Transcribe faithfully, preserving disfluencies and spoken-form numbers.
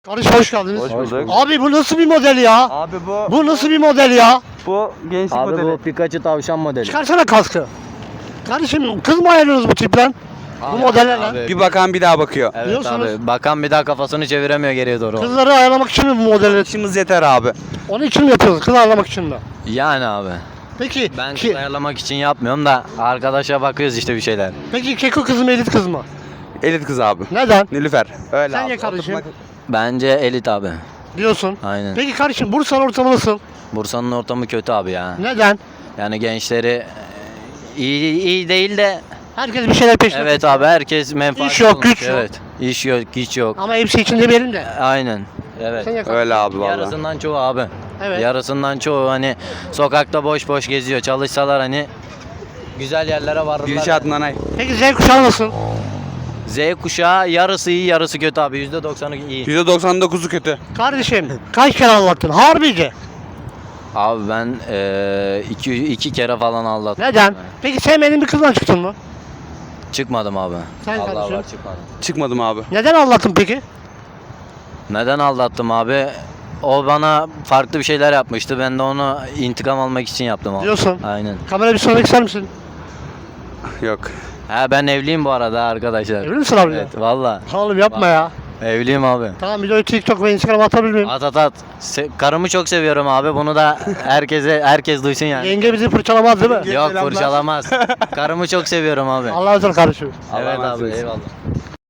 Kardeş hoş geldiniz. Hoş bulduk. Abi bu nasıl bir model ya? Abi bu Bu nasıl bir model ya? bu gençlik Abi modeli. bu Pikachu tavşan modeli. Çıkarsana kaskı. Kardeşim kız mı ayırıyorsunuz bu tipten? Bu modellerle. Abi, Bir bakan bir daha bakıyor. evet Diyorsunuz. abi. Bakan bir daha kafasını çeviremiyor geriye doğru. Kızları ayarlamak için mi bu modelleri? İşimiz yeter abi. Onun için mi yapıyoruz? Kız ayarlamak için mi? Yani abi. Peki, Ben ki, kız ayarlamak için yapmıyorum da arkadaşa bakıyoruz işte bir şeyler. peki keko kız mı elit kız mı? Elit kız abi. Neden? Nilüfer. Öyle Sen abi. ye kardeşim. Oturmak- Bence elit abi. Diyorsun. Aynen. Peki kardeşim Bursa'nın ortamı nasıl? Bursa'nın ortamı kötü abi ya. Neden? Yani gençleri e, iyi iyi değil de Herkes bir şeyler peşinde. evet abi herkes menfaat. İş yok, güç yok. Evet. İş yok, güç yok. Ama hepsi için demeyelim de. Aynen. Evet. Sen ye kardeşim. Öyle abi valla. Yarısından çoğu abi. Evet. Yarısından çoğu hani sokakta boş boş geziyor. Çalışsalar hani güzel yerlere varırlar. Gidişat nanay. Peki Z kuşağı nasıl? Z kuşağı yarısı iyi yarısı kötü abi. yüzde doksanı iyi. yüzde doksan dokuzu kötü. Kardeşim kaç kere anlattın? Harbice. Abi ben eee, iki, iki kere falan aldattım. Neden? Peki sevmediğin bir kızdan çıktın mı? Çıkmadım abi. Sen Allah kardeşim? var çıkmadım. Çıkmadım abi. Neden anlattın peki? Neden aldattım abi? O bana farklı bir şeyler yapmıştı. Ben de onu intikam almak için yaptım abi. Diyorsun. Aynen. Kamera bir sormak ister misin? Yok. Ha ben evliyim bu arada arkadaşlar. Evli misin abi? Evet valla. Oğlum yapma ya. Evliyim abi. Tamam videoyu TikTok ve Instagram'a atabilir miyim? At at at. Se- karımı çok seviyorum abi. Bunu da herkese herkes duysun yani. Yenge bizi fırçalamaz değil mi? Yok fırçalamaz. Karımı çok seviyorum abi. Allah'a emanet ol kardeşim. Allah'a Evet emanet abi olsun. eyvallah.